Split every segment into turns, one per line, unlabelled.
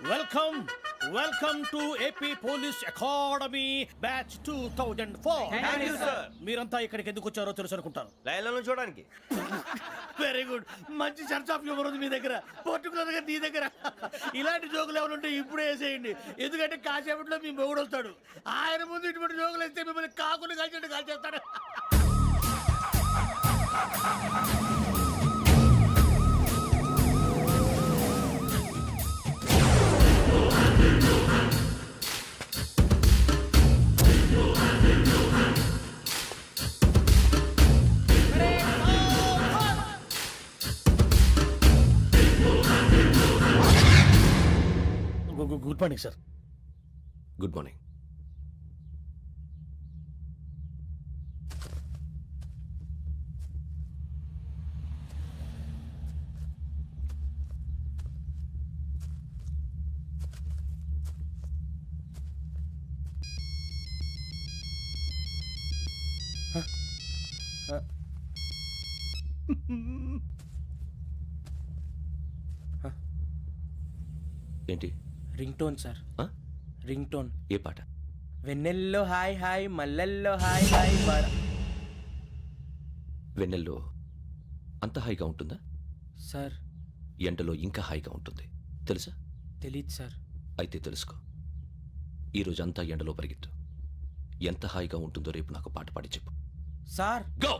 Welcome welcome to AP police academy batch 2004. మీరంతా ఇక్కడికి ఎందుకు వచ్చారో తెలుసు అనుకుంటాను.
లైన్లను చూడడానికి.
Very good. మంచి చర్చ్ ఆఫ్ హ్యూమర్ ఉంది మీ దగ్గర, పర్టికులర్ గా నీ దగ్గర. ఇలాంటి జోకులు ఏమైనా ఉంటే ఇప్పుడే వేసేయండి, ఎందుకంటే కాసేపట్లో మీ మొగుడు వస్తాడు. ఆయన ముందు ఇటువంటి జోకులు వేస్తే మిమ్మల్ని కాకులు కాల్చేట్టు కాల్చేస్తాడు. Good morning sir.
Good morning. ఏంటి?
Ringtone sir. Ringtone.
ఏ పాట?
వెన్నెల్లో హాయ్ హాయ్ మల్లెల్లో హాయ్ హాయ్
వెన్నెల్లో అంత హాయిగా ఉంటుందా
సార్?
ఎండలో ఇంకా హాయిగా ఉంటుంది తెలుసా?
తెలీదు సార్.
అయితే తెలుసుకో. ఈరోజు అంతా ఎండలో పరిగెత్తు. ఎంత హాయిగా ఉంటుందో రేపు నాకు పాట పాడి చెప్పు.
Sir
go.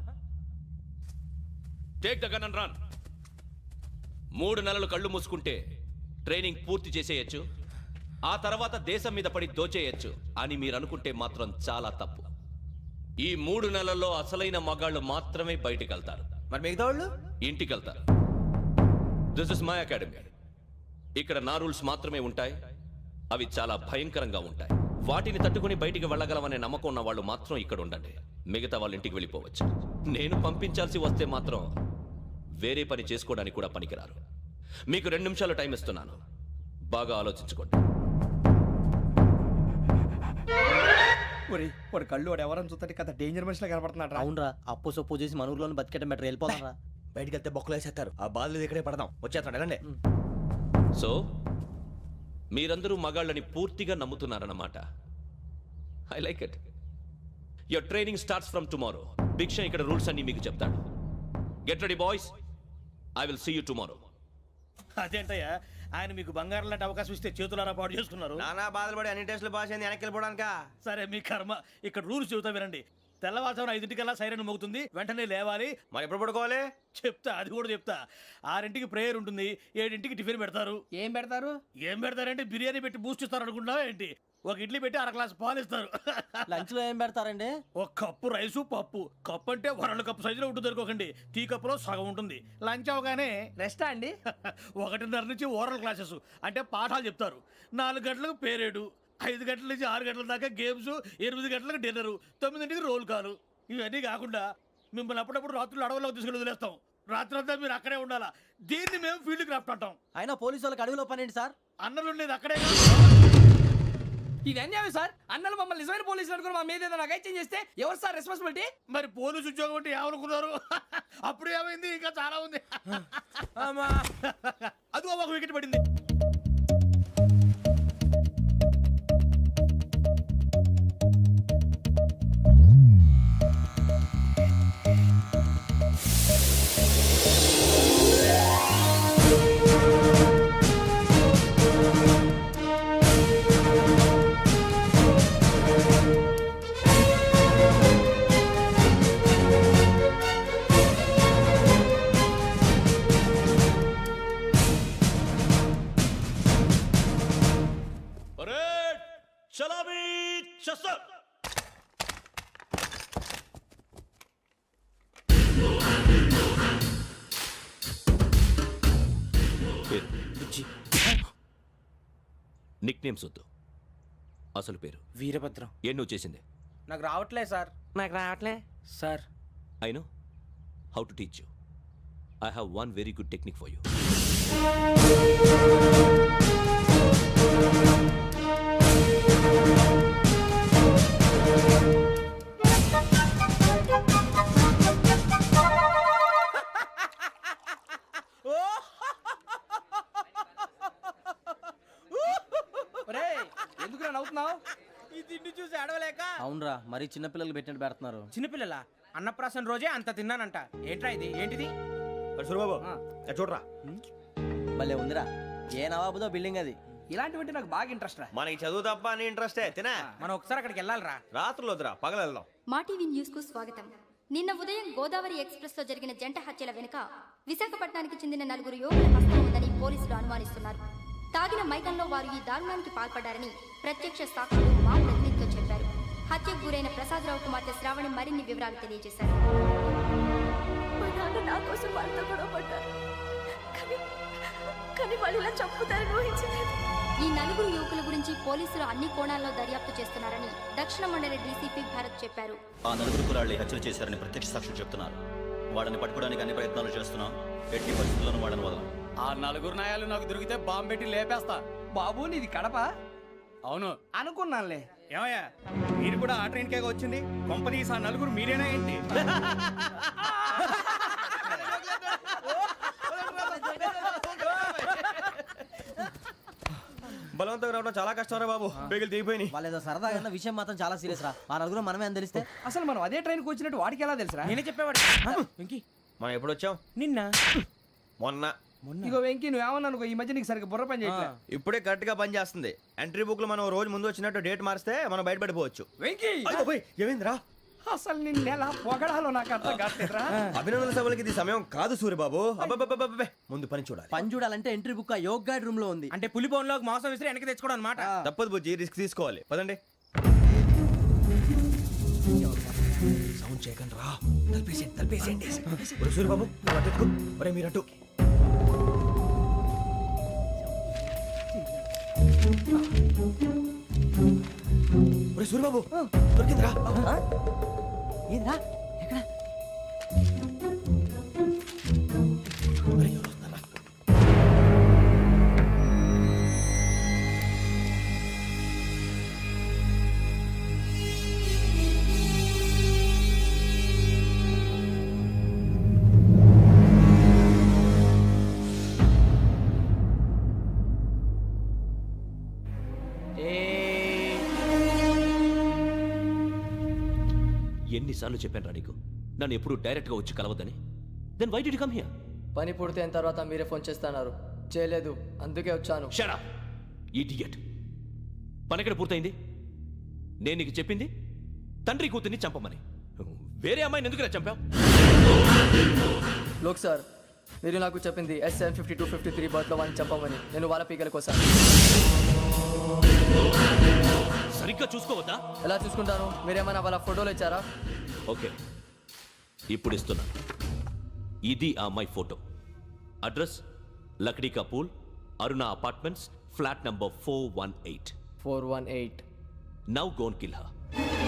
Take the gun and run. 3 నెలలు కళ్ళు మూసుకుంటే ట్రైనింగ్ పూర్తి చేసేయచ్చు, ఆ తర్వాత దేశం మీద పడి దోచేయచ్చు అని మీరు అనుకుంటే మాత్రం చాలా తప్పు. ఈ 3 నెలల్లో అసలైన మగాళ్ళు మాత్రమే బయటికి వెళ్తారు.
మరి మిగతా వాళ్ళు
ఇంటికి వెళ్తారు. This is my academy. ఇక్కడ నా రూల్స్ మాత్రమే ఉంటాయి. అవి చాలా భయంకరంగా ఉంటాయి. వాటిని తట్టుకుని బయటికి వెళ్ళగలమనే నమ్మకం ఉన్న వాళ్ళు మాత్రం ఇక్కడ ఉండండి. మిగతా వాళ్ళు ఇంటికి వెళ్ళిపోవచ్చు. నేను పంపించాల్సి వస్తే మాత్రం వేరే పని చేసుకోవడానికి కూడా పనికిరారు. మీకు 2 నిమిషాలు టైం ఇస్తున్నాను, బాగా ఆలోచించుకోండి.
వాడు కళ్ళు వాడు ఎవరని చూస్తే కదా డేంజర్ మనిషిలో కనపడుతున్నాడు.
అవునరా, అప్పు సొప్పు చేసి మన ఊర్లో బతికేయడం బెటర్. వెళ్ళిపోతారా?
బయటికి వెళ్తే బొక్కలు వేసేస్తారు. ఆ బాధలు ఇక్కడే పడదాం. వచ్చేస్తాడు ఎలాండి.
సో మీరందరూ మగాళ్ళని పూర్తిగా నమ్ముతున్నారన్నమాట. I like it. Your training starts from tomorrow. Bhiksha ఇక్కడ రూల్స్ అన్ని మీకు చెప్తాడు. Get ready boys, I will see you tomorrow.
అదేంటయ్యా, ఆయన మీకు బంగారం లాంటి అవకాశం ఇస్తే చేతులారా పాటు చేసుకున్నారు.
నానా బాధలు పడి అన్ని టెస్టులు పాస్ అయింది, వెనక్కి వెళ్ళిపోవడానికా?
సరే మీ కర్మ. ఇక్కడ రూల్స్ చెబుతా వినండి. తెల్లవారుజామున 5 సైరన్ మోగుతుంది, వెంటనే లేవాలి.
మరి ఎప్పుడు పడుకోవాలి?
చెప్తా, అది కూడా చెప్తా. 6 ప్రేయర్ ఉంటుంది, 7 టిఫిన్ పెడతారు.
ఏం పెడతారు?
ఏం పెడతారంటే బిర్యానీ పెట్టి బూస్ట్ ఇస్తారు అనుకుంటున్నావా ఏంటి? ఒక ఇడ్లీ పెట్టి 1/2 గ్లాస్ పాలు ఇస్తారు.
లంచ్ లో ఏం పెడతారండి?
ఒక కప్పు రైసు పప్పు. కప్పు అంటే 1/2 కప్పు సైజులో ఉంటుంది అనుకోకండి. టీ కప్పులో సగం ఉంటుంది. లంచ్ అవగానే
రెస్టా అండి?
1:30 నుంచి ఓరల్ క్లాసెస్ అంటే పాఠాలు చెప్తారు. 4 గంటలకు పేరేడు, 5 గంటల నుంచి 6 గంటల దాకా గేమ్స్, 8 గంటలకు డిన్నరు, 9 రోల్ కాలు. ఇవన్నీ కాకుండా మిమ్మల్ని అప్పుడప్పుడు రాత్రులు అడవుల్లో తీసుకెళ్ళి వదిలేస్తాం. రాత్రంతా మీరు అక్కడే ఉండాలా. దీన్ని మేము ఫీల్డ్ క్రాఫ్ట్ అంటాం.
అయినా పోలీసు వాళ్ళకి అడవిలో పని ఏంటి సార్?
అన్నలు ఉండేది అక్కడే.
ఇది అన్యాయం సార్. అన్నలు మమ్మల్ని నిజమైన పోలీసులు అనుకుని మా మీద ఏదైనా అగైత్యం చేస్తే ఎవరు సార్ రెస్పాన్సిబిలిటీ?
మరి పోలీసు ఉద్యోగం అంటే ఏమనుకున్నారు? అప్పుడు ఏమైంది? ఇంకా చాలా ఉంది. అది ఒక వికెట్ పడింది.
నిక్ నేమ్స్ వద్దు, అసలు పేరు.
వీరభద్రం.
ఏం నువ్వు చేసింది?
నాకు రావట్లే సార్.
నాకు రావట్లే
sir.
I know how to teach you. I have one very good technique for you.
నవ్వుతున్నావు?
ఈ తిండి చూసి అడవలేక
అవునరా మరీ చిన్నపిల్లలు పెట్టినట్టు పెడుతున్నారు.
చిన్నపిల్లల అన్నప్రాసన రోజే అంత తిన్నానంట. ఏంట్రా ఇది? ఏంటిది?
సూరిబాబు చూడరా,
భలే ఉందిరా. ఏ నవాబుదో బిల్డింగ్ అది.
ఇలాంటివంటే నాకు బాగా ఇంట్రెస్ట్ రా.
మనకి చదువు తప్ప అని ఇంట్రెస్టే తినే.
మనం ఒకసారి అక్కడికి వెళ్ళాలిరా.
రాత్రులు వద్దురా, పగలు వెళ్దాం.
మా టీవీ న్యూస్ కు స్వాగతం. నిన్న ఉదయం గోదావరి ఎక్స్ప్రెస్ లో జరిగిన జంట హత్యల వెనుక విశాఖపట్నానికి చెందిన 4 యువకుల హస్తం ఉందని పోలీసులు అనుమానిస్తున్నారు. తాగిన మైకంలో వారు ఈ దారుణానికి పాల్పడ్డారని ప్రత్యక్ష సాక్షులు మా ప్రతినిధితో చెప్పారు. హత్యకు గురైన ప్రసాదరావు కుమార్తె శ్రావణి మరిన్ని వివరాలు తెలియజేశారు.
మా నాన్న నా కోసం వాళ్ళతో గొడవ పడ్డారు. కానీ వాళ్ళు ఇలా చంపుతారని ఊహించలేదు.
ఈ 4 యువకుల గురించి పోలీసులు అన్ని కోణాల్లో దర్యాప్తు చేస్తున్నారని దక్షిణ మండలి డీసీపీ భరత్ చెప్పారు.
ఆ 4 కురాళ్ళు హత్యలు చేశారని ప్రత్యక్ష సాక్షులు చెప్తున్నారు. వాళ్ళని పట్టుకోవడానికి అన్ని ప్రయత్నాలు చేస్తున్నాం. ఎట్టి పరిస్థితుల్లోనూ వాళ్ళని వదలం.
ఆ 4 నాయాలు నాకు దొరికితే బాంబు పెట్టి లేపేస్తా.
బాబు నీది కడప?
అవును.
అనుకున్నానులే.
ఏమయ్యా, మీరు కూడా ఆ ట్రైన్ కేగా వచ్చింది? కొంపదీసి ఆ 4 మీరేనా ఏంటి?
బలవంతంగా రావడం చాలా కష్టం రా బాబు, పేగులు దిగిపోయినాయి.
వాళ్ళు ఏదో సరదాగా అన్న విషయం మాత్రం చాలా సీరియస్ రా. ఆ నలుగురు మనమే అని తెలిస్తే
అసలు మనం అదే ట్రైన్కి వచ్చినట్టు వాడికి ఎలా తెలుసురా?
నేనే చెప్పేవాడు. వెంకీ
మనం ఎప్పుడు వచ్చాం?
నిన్న
మొన్న.
ఇగో వెంకీ నువ్వేమన్నా అనుకో, ఈ మధ్య నీకు సరిగ్గా బుర్ర పని చేయట్లేదు.
ఇప్పుడే కరెక్ట్ గా పని చేస్తుంది. ఎంట్రీ బుక్ లో మనం రోజు ముందు వచ్చినట్టు డేట్ మారిస్తే మనం బయటపడిపోవచ్చు.
వెంకీ
ఏమైందిరా?
అసలు నిన్న ఎలా పొగడాలో నాకు అర్థం కావట్లేదురా.
అభినందన సభలకి ఇది సమయం కాదు సూరిబాబు. అబ్బబ్బబ్బబ్బబ్బే, ముందు పని చూడాలి.
పని చూడాలంటే ఎంట్రీ బుక్ ఆ యోగ్ గైడ్ రూమ్ లో ఉంది.
అంటే పులి బోన్లోకి మాంసం విసిరి వెనక్కి తెచ్చుకోవడం అనమాట.
తప్పదు బుజ్జి, రిస్క్ తీసుకోవాలి. పదండి. సౌండ్ చేయకండి రా. తలపేసేయండి. ఒరే సూరిబాబు, నువ్వు అటు ఎత్తుకో. ఒరే మీరు అటు. ఒరే సూరిబాబు, దొరికిందిరా.
ఏంద్రా ఎక్కడ?
ఒరే, ఎవరు వస్తున్నారా?
ఎన్నిసార్లు చెప్పాను రా నీకు, నన్ను ఎప్పుడు డైరెక్ట్ గా వచ్చి కలవద్దని? Then why did you come here?
పని పూర్తయిన తర్వాత మీరే ఫోన్ చేస్తున్నారు. చేయలేదు, అందుకే వచ్చాను.
Shut up idiot. పని ఎక్కడ పూర్తయింది? నేను నీకు చెప్పింది తండ్రి కూతుర్ని చంపమని. వేరే అమ్మాయిని ఎందుకు చంపావు?
లోక్ సార్, మీరు నాకు చెప్పింది SM 5253 బర్త్లో వాళ్ళని చంపమని. నేను వాళ్ళ పీకల కోసం.
సరిగ్గా చూసుకోవద్దా?
ఎలా చూసుకుంటాను? మీరేమైనా వాళ్ళ ఫోటోలు ఇచ్చారా?
ఓకే, ఇప్పుడు ఇస్తున్నా. ఇది ఆ అమ్మాయి photo. Address Lakdi ka Pul, Aruna apartments, flat number 418.
418.
Now go and kill her.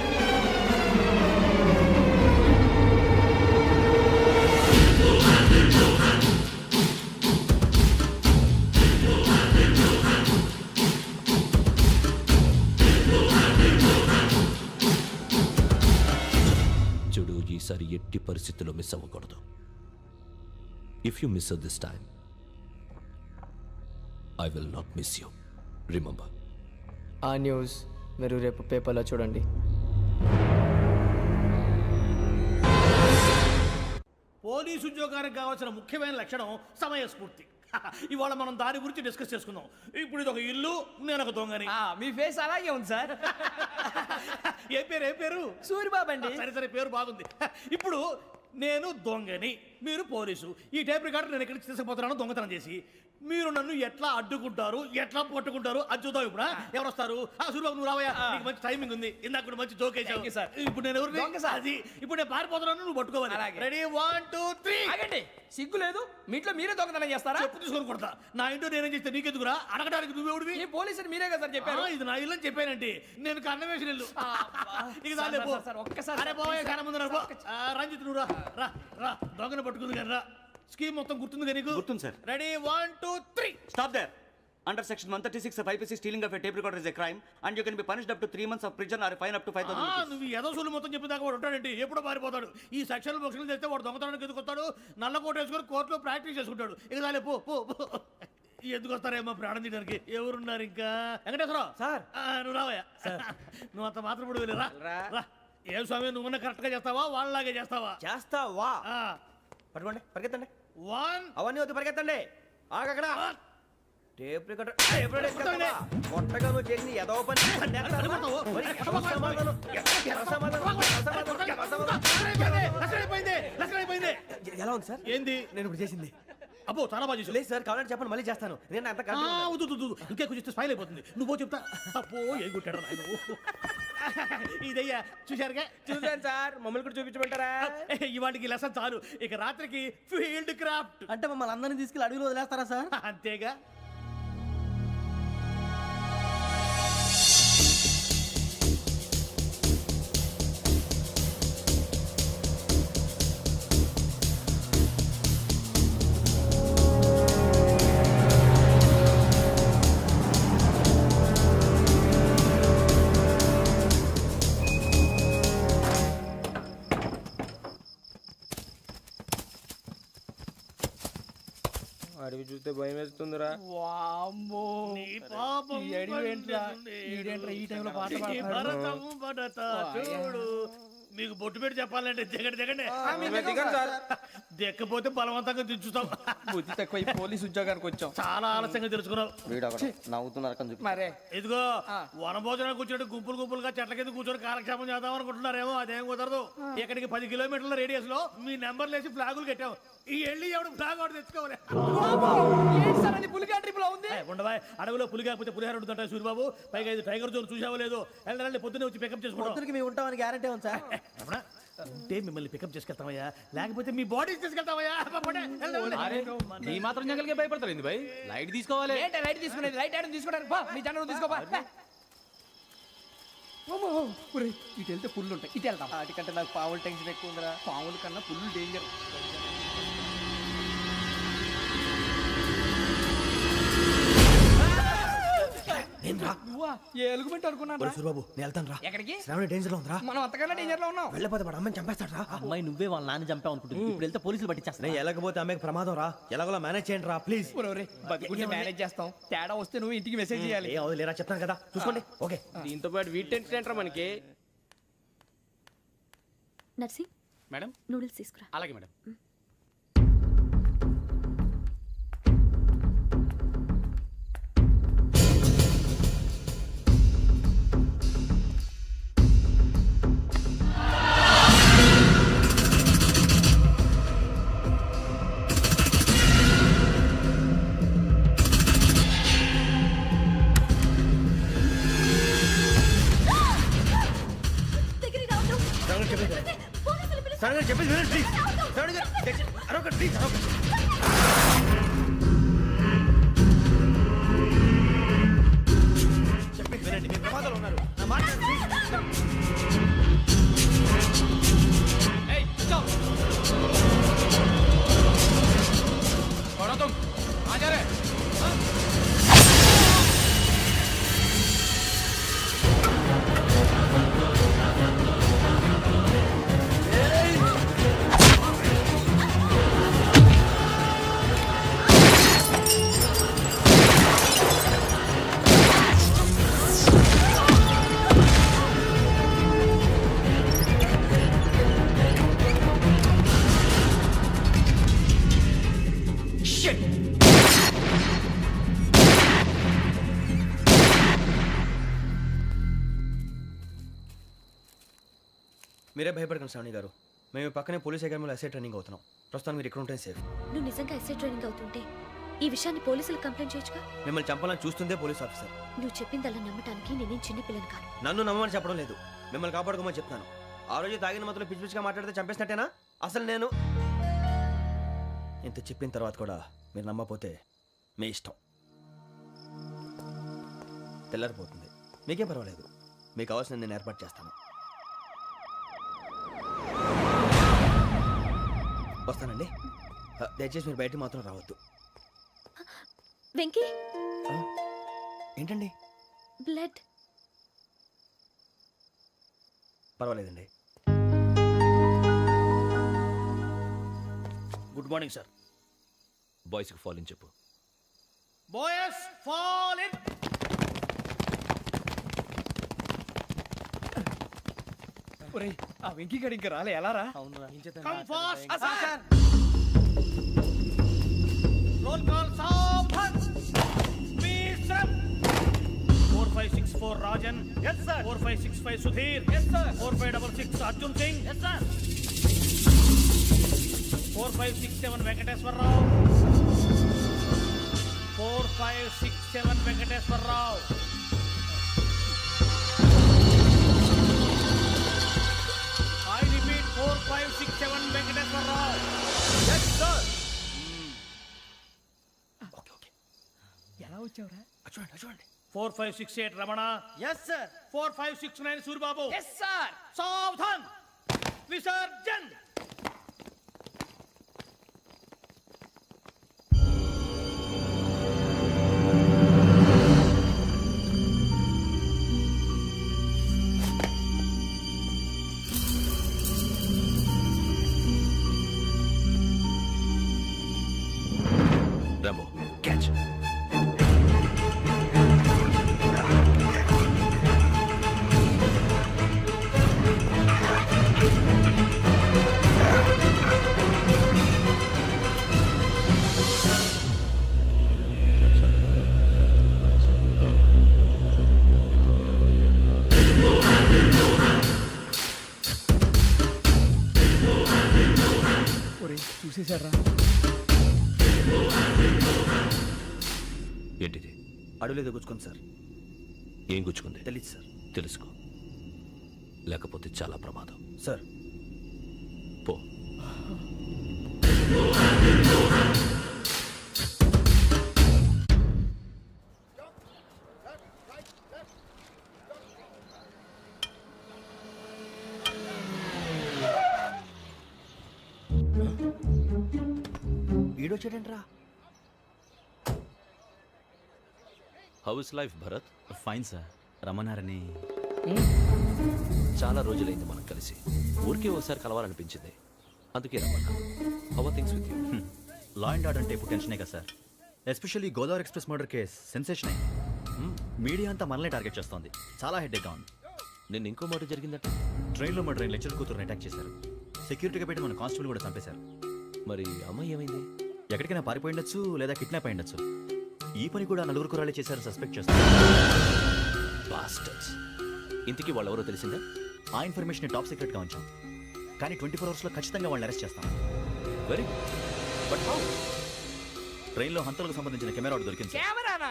చూడు, ఈసారి ఎట్టి పరిస్థితుల్లో మిస్ అవ్వకూడదు. If you miss this time, I will not miss you. Remember.
ఆ న్యూస్ మీరు రేపు పేపర్లో చూడండి.
పోలీసు ఉద్యోగానికి కావాల్సిన ముఖ్యమైన లక్షణం సమయస్ఫూర్తి. ఇవాళ మనం దాని గురించి డిస్కస్ చేసుకుందాం. ఇప్పుడు ఇది ఒక ఇల్లు, నేను ఒక దొంగని.
మీ ఫేస్ అలాగే ఉంది సార్.
ఏ పేరు?
సూరిబాబు అండి.
సరే పేరు బాగుంది. ఇప్పుడు నేను దొంగని, మీరు పోలీసు. ఈ టైప్ రికార్డు నేను ఎక్కడికి తీసుకుపోతున్నాను దొంగతనం చేసి. మీరు నన్ను ఎట్లా అడ్డుకుంటారు, ఎట్లా పట్టుకుంటారు అది చూద్దాం. ఇప్పుడు ఎవరు వస్తారు? సూరిబాబు నువ్వు రావయ్యా, నీకు మంచి టైమింగ్ ఉంది. ఇందాక కూడా మంచి జోక్ వేసావు సార్. ఇప్పుడు నేను ఎవరు? అది ఇప్పుడు నేను పారిపోతున్నాను, నువ్వు పట్టుకోవాలి. రెడీ 1 2 3.
ఆగండి, సిగ్గు లేదు? మీ ఇంట్లో మీరే దొంగతనం చేస్తారా?
చెప్పు తీసుకొని కొడతా. నా ఇంట్లో నేనేం చేస్తే నీకెందుకురా? అడగడానికి నువ్వెవడివి?
ఈ పోలీసులు మీరే కదా సార్ చెప్పారు.
ఇది నా ఇల్లు అని చెప్పానండి. నేను కన్నవేసిన ఇల్లు. ఇక చాలే పో.
ఒక్కసారి
అరే పోయే కన్న ముందు రంజిత్ నువ్వు రా రా. దొంగను పట్టుకుంది కానీ రా. స్కీమ్ మొత్తం గుర్తుంది నీకు?
గుర్తుంది sir.
Ready 1 2 3.
Stop there. Under section 136 of IPC, stealing of a tape recorder is a crime and you can be punished up to 3 months of prison or a fine up to 5,000 rupees.
నువ్వు ఏదో సొల్లు మొత్తం చెప్పిన దాకా వాడు ఉంటాడండి. ఎప్పుడో పారిపోతాడు. ఈ సెక్షన్ బొక్షన్లు చేస్తే వాడు దొంగతనానికి ఎందుకు వస్తాడు? నల్ల కోట వేసుకొని కోర్టులో ప్రాక్టీస్ చేసుకుంటాడు. ఇక చాలే పో. ఎందుకు వస్తారేమో ప్రాణం తీయడానికి ఎవరున్నారు ఇంకా వెంకటేశ్వరరావు
సార్.
నువ్వు రావయ్యా నువ్వు అంత మాత్రం ఇప్పుడు వెళ్ళి రా ఏం స్వామి నువ్వున్న కరెక్ట్ గా చేస్తావా వాళ్ళలాగే చేస్తావా
చేస్తావా పట్టుకోండి పరిగెత్తండి
1
అవన్నీ వద్దు పరిగెత్తండి ఆగక్కడ టేప్ రికార్డర్ కొత్తగా నువ్వు చేసిన ఏదో పని ఎలా ఉంది సార్
ఏంది
నేను ఇప్పుడు చేసింది
అబ్బో చాలా బాగా చేసావు.
లేదు సార్ కావాలంటే చెప్పండి మళ్ళీ చేస్తాను నేను అంత
వద్దు ఇంకే కొంచెం స్మైల్ అయిపోతుంది నువ్వు చెప్తా అప్పో ఏ కొట్టాడు నాయన ఇదయ్యా చూశారుగా
చూసాను సార్ మమ్మల్ని కూడా చూపించమంటారా
ఇవాటికి లెసన్ చాలు ఇక రాత్రికి ఫీల్డ్ క్రాఫ్ట్
అంటే మమ్మల్ని అందరినీ తీసుకెళ్ళి అడుగులో వదిలేస్తారా సార్?
అంతేగా.
అడిగి చూస్తే భయం వేస్తుందిరా
వామ్మో
నీ పాపం
ఈ అడివి ఏంట్రా? ఈడేంట్రా ఈ టైంలో పాట
నీ
పాడుతున్నాడు?
భరతం భరత చూడు మీకు బొట్టు పెట్టి చెప్పాలంటే దిగండి దెక్కపోతే బలవంతంగా దించుతాం
బుద్ధి తక్కువ ఈ పోలీస్ ఉద్యోగానికి వచ్చాం.
చాలా ఆలస్యంగా తెలుసుకున్నావు.
వీడు ఒకడు నవ్వుతున్నారు కని చూపి.
మరే
ఇదిగో వనభోజనం కూర్చొని గుంపులుగా చెట్ల కింద కూర్చొని కాలక్షేపం చేద్దాం అనుకుంటున్నారేమో అదేం కుదరదు. ఇక్కడికి 10 కిలోమీటర్ల రేడియస్ లో మీ నెంబర్లు వేసి ఫ్లాగులు కట్టాం. ఈ వెళ్ళి ఎవడు ఫ్లాగ్ ఒకటి తెచ్చుకోవాలి.
ఏంటి సార్ అది పులిగా ట్రిప్ లో ఉంది?
ఉండవా అడవిలో పులి కాకపోతే పులిహార ఉంటుంటాయి సూరిబాబు. పైగా ఇది టైగర్ జోన్ చూసావో లేదో. వెళ్ళండి పొద్దున్నే వచ్చి పికప్ చేసుకుంటాం.
పొద్దునకి మేము ఉంటామని గ్యారంటీ ఉంది సార్.
అంటే మిమ్మల్ని పికప్ చేసుకెళ్తామయ్యా లేకపోతే మీ బాడీ తీసుకెళ్తామయ్యా.
ఈ మాత్రం జంగల్కే భయపడతారు భయ్ లైట్ తీసుకోవాలి.
ఏంటి లైట్ తీసుకునేది? లైట్ ఆడని తీసుకోవడానికి బా మీ జనరు తీసుకోపా. ఇటు వెళ్తే పుల్లు ఉంటాయి, ఇటు వెళ్తాం.
వాటికంటే నాకు పావుల టెన్షన్ ఎక్కువ ఉందిరా.
పాముల కన్నా పుల్లు డేంజర్. నువ్వా? ఏ ఎలుగుబెట్టి అనుకున్నా
సూరిబాబు నేను వెళ్తాను రా.
ఎక్కడికి?
శ్రావణి డేంజర్ లో ఉందిరా.
మనం అంతకన్నా డేంజర్ లో ఉన్నాం.
వెళ్ళపోతే వాడు అమ్మని చంపేస్తాడు రా.
అమ్మాయి నువ్వే వాళ్ళ నాన్న చంపావు అనుకుంటుంది. ఇప్పుడు వెళ్తే పోలీసులు పట్టించేస్తా.
నేను వెళ్ళకపోతే అమ్మకి ప్రమాదం రా. ఎలాగోలా మేనేజ్ చేయండి రా ప్లీజ్.
బతుకుంటే మేనేజ్ చేస్తాం. తేడా వస్తే నువ్వు ఇంటికి మెసేజ్ చేయాలి.
ఏ అవును లేరా చెప్తాను కదా చూసుకోండి. ఓకే
దీంతో పాటు వీటి టెన్షన్ ఏంట్రా మనకి.
నర్సి
మేడం
నూడిల్స్ తీసుకురా.
అలాగే మేడం.
దగ్గరికి రావద్దు. పోలీసులు పిలుస్తారు.
శ్రావణి గారు చెప్పేది వినండి ప్లీజ్. శ్రావణి గారు అరొకటి ప్లీజ్ అరొకటి. చెప్పేది వినండి మీరు ప్రమాదాలు ఉన్నారు. నా మాట వినండి, ప్లీజ్.
ఏయ్ కూర్చో. छोड़ो तुम कहाँ जा रहे? हाँ?
మీరే భయపడకండి శ్రావణి గారు. మేము పక్కనే పోలీస్ అకాడమీలో ఎస్ఐ ట్రైనింగ్ అవుతున్నాం. ప్రస్తుతం మీరు ఇక్కడ ఉంటే సేఫ్.
నువ్వు నిజంగా ఎస్ఐ ట్రైనింగ్ అవుతుంటే ఈ విషయాన్ని పోలీసులకు కంప్లైంట్ చేయొచ్చుగా.
మిమ్మల్ని చంపాలని చూస్తుందే పోలీస్ ఆఫీసర్.
నువ్వు చెప్పిందల్లా నమ్మటానికి నేనేం చిన్నపిల్లని కాను.
నన్ను నమ్మమని చెప్పడం లేదు, మిమ్మల్ని కాపాడుకోమని చెప్తాను. ఆ రోజు తాగిన మొదలు పిచ్చి పిచ్చిగా మాట్లాడితే చంపేసినట్టేనా? అసలు నేను ఇంత చెప్పిన తర్వాత కూడా మీరు నమ్మపోతే మీ ఇష్టం. తెల్లారిపోతుంది, మీకేం పర్వాలేదు. మీకు కావాల్సిన నేను ఏర్పాటు చేస్తాను. వస్తానండి. దయచేసి మీరు బయటికి మాత్రం రావద్దు.
వెంకీ
ఏంటండి?
బ్లడ్.
పర్వాలేదండి.
Good morning sir.
బాయ్స్కి ఫాలోని చెప్పు.
Boys fall in.
ఒరేయ్ ఆ వెంకీ గడి ఇంకా రాలే ఎలా రా?
Come fast. రోల్ కాల్ సావధాన్. Speed up. 4564 Rajan. yes sir. 4565 Sudheer. yes sir. 4566 Arjun Singh. yes sir. 4567 Venkateswararao. 4567 Venkateswararao. I repeat 4567 Venkateswararao. yes sir.
ఎలా వచ్చావురా? చూడండి
4568 Ramana.
yes sir.
4569 Suribabu.
Yes sir.
సావధాన్. విసర్జన్.
రాము క్యాచ్.
ఒరేయ్ చూసేశారా?
ఏంటిది?
అడుగులేదు గుచ్చుకోండి సార్.
ఏం గుచ్చుకుంది?
తెలీదు సార్.
తెలుసుకో, లేకపోతే చాలా ప్రమాదం.
సార్
పో.
ఈడొచ్చాడంట్రా.
How is life Bharat?
Fine sir. రమ్మన్నారని.
చాలా రోజులైంది మనం కలిసి. ఊరికే ఒకసారి కలవాలనిపించింది, అందుకే రమ్మన్నా. How are things with you?
Law and order అంటే ఇప్పుడు టెన్షనే కదా sir. Especially Godavari express murder case sensation అయింది. మీడియా అంతా మనల్ని టార్గెట్ చేస్తోంది. చాలా హెడ్ఏక్గా ఉంది.
నిన్న ఇంకో మాట జరిగిందట.
ట్రైన్లో మా ట్రైన్ లెక్చర్ కూతురుని అటాక్ చేశారు. సెక్యూరిటీగా పెట్టి మన కానిస్టేబుల్ కూడా చంపేశారు.
మరి అమ్మాయి ఏమైంది?
ఎక్కడికైనా పారిపోయి ఉండొచ్చు, లేదా కిడ్నాప్ అయి ఉండొచ్చు. ఈ పని కూడా నలుగురు కురాలే చేశారు సస్పెక్ట్ చేస్తారు.
బాస్టర్స్. ఇంతకీ వాళ్ళెవరో తెలిసిందా?
ఆ ఇన్ఫర్మేషన్ టాప్ సీక్రెట్గా ఉంచాం, కానీ 24 అవర్స్లో ఖచ్చితంగా వాళ్ళని అరెస్ట్ చేస్తాం.
Very but how?
ట్రైన్లో హంతలకు సంబంధించిన కెమెరా ఒకటి దొరికింది సార్.
కెమెరానా?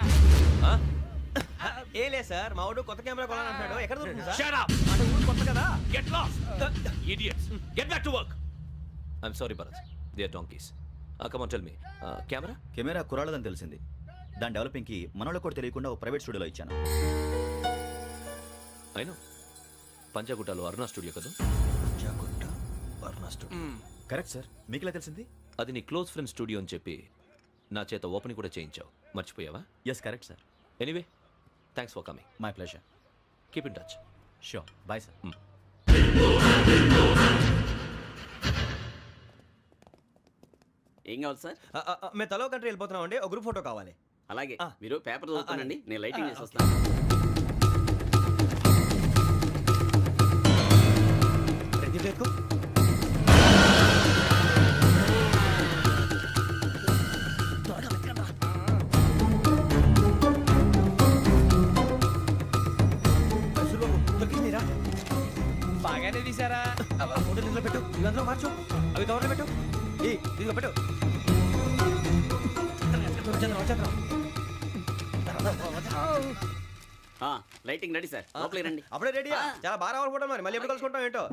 ఏ లే సార్, మా వాడు కొత్త కెమెరా కొనాలంటున్నాడు. ఎక్కడ దొరుకుతుంది సార్?
Shut up!
అంటే ఊరు కొత్త కదా.
Get lost! Idiots! Get back to work! I'm sorry, Bharat. They are donkeys. Come on, tell me. Camera?
Camera కురాలదని తెలిసింది. దాని డెవలపింగ్కి మనలో కూడా తెలియకుండా ఒక ప్రైవేట్ స్టూడియోలో ఇచ్చాను.
I know. పంజాగుట్టలో అరుణా స్టూడియో కదా?
పంజాగుట్ట వర్ణ స్టూడియో. Correct sir. మీకు ఎలా తెలిసింది?
అది నీ క్లోజ్ ఫ్రెండ్ స్టూడియో అని చెప్పి నా చేత ఓపెన్ కూడా చేయించావు. మర్చిపోయావా?
Yes correct sir.
Anyway, thanks for coming.
My pleasure.
Keep in touch.
Sure. Bye sir.
ఏం కావాలి సార్?
మేము తలో కంట్రీ వెళ్ళిపోతున్నాం అండి. ఒక గ్రూప్ ఫోటో కావాలి.
అలాగే, మీరు పేపర్ చదువుతానండి, నేను లైటింగ్ చేసి వస్తాను.
బాగానే తీసారా?
ఫోటో ఇందులో పెట్టు, ఇవంతా మార్చు, అవి కవర్లో పెట్టు. ఇదిగో పెట్టు.
లైటింగ్ రెడీ సార్, లోపలికి రండి.
అప్పుడే రెడీయా? చాలా బాగా రావాలి ఫోటో. మరి మళ్ళీ ఎప్పుడు కలుసుకుంటాం ఏంటో.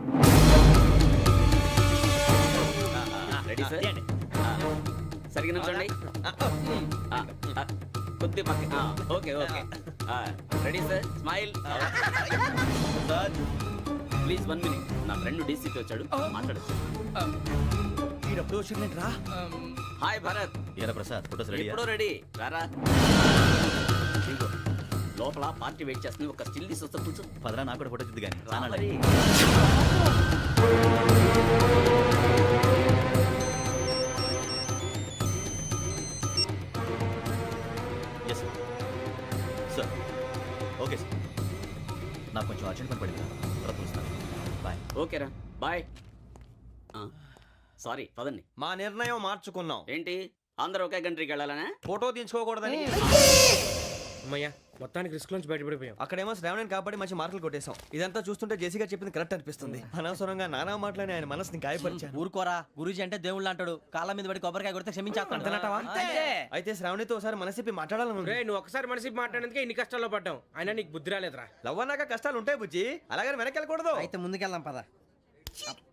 Ready sir. సరిగ్గా నుంచోండి. కొద్ది పక్క. Okay okay. Ready sir. Smile. Please 1 minute. నా ఫ్రెండ్ డీసీపీ వచ్చాడు, మాట్లాడచ్చు.
ఈడప్పుడు వచ్చిందంటరా.
హాయ్ భరత్.
ఏరా ప్రసాద్, ఫోటోస్ రెడీ?
ఎప్పుడో రెడీ. రారా. ఇదిగో, లోపల పార్టీ వెయిట్ చేస్తుంది. ఒక స్టిల్ తీసి వస్తా, కూర్చో.
పదరా, నాకు కూడా ఫోటో చూద్దు కానీ.
రా మరి.
సార్ ఓకే సార్ నాకు కొంచెం అర్జెంట్ పని పడింది తర్వాత పిలుస్తాను బాయ్.
ఓకేరా బాయ్. సారీ పదండి.
మా నిర్ణయం మార్చుకున్నాం.
ఏంటి అందరూ ఒకే కంట్రీకి వెళ్ళాలనే?
ఫోటో తీసుకోకూడదని.
అమ్మయ్యా మొత్తానికి రిస్క్ నుంచి బయటపడిపోయాం.
అక్కడేమో శ్రావణిని కాబట్టి మంచి మార్కులు కొట్టేశాం. ఇదంతా చూస్తుంటే జేసీగా చెప్పింది కరెక్ట్ అనిపిస్తుంది. అనవసరంగా నానా మాటలని ఆయన మనసుని గాయపరిచాను.
ఊరుకోరా, గురూజీ అంటే దేవుళ్ళు అంటాడు. కాళ్ళ మీద పడి కొబ్బరికాయ కొడితే క్షమించేస్తాడు.
అంతేనంటావా? అయితే శ్రావణితో ఒకసారి మనసిప్పి మాట్లాడాలను.
రే నువ్వు ఒకసారి మనసి మాట్లాడేందుకే ఇన్ని కష్టాల్లో పడ్డాం. అయినా నీకు బుద్ధి రాలేదురా.
లవ్ అన్నాక కష్టాలు ఉంటాయి బుజ్జి, అలాగని వెనక్కి వెళ్ళకూడదు.
అయితే ముందుకెళ్దాం పద.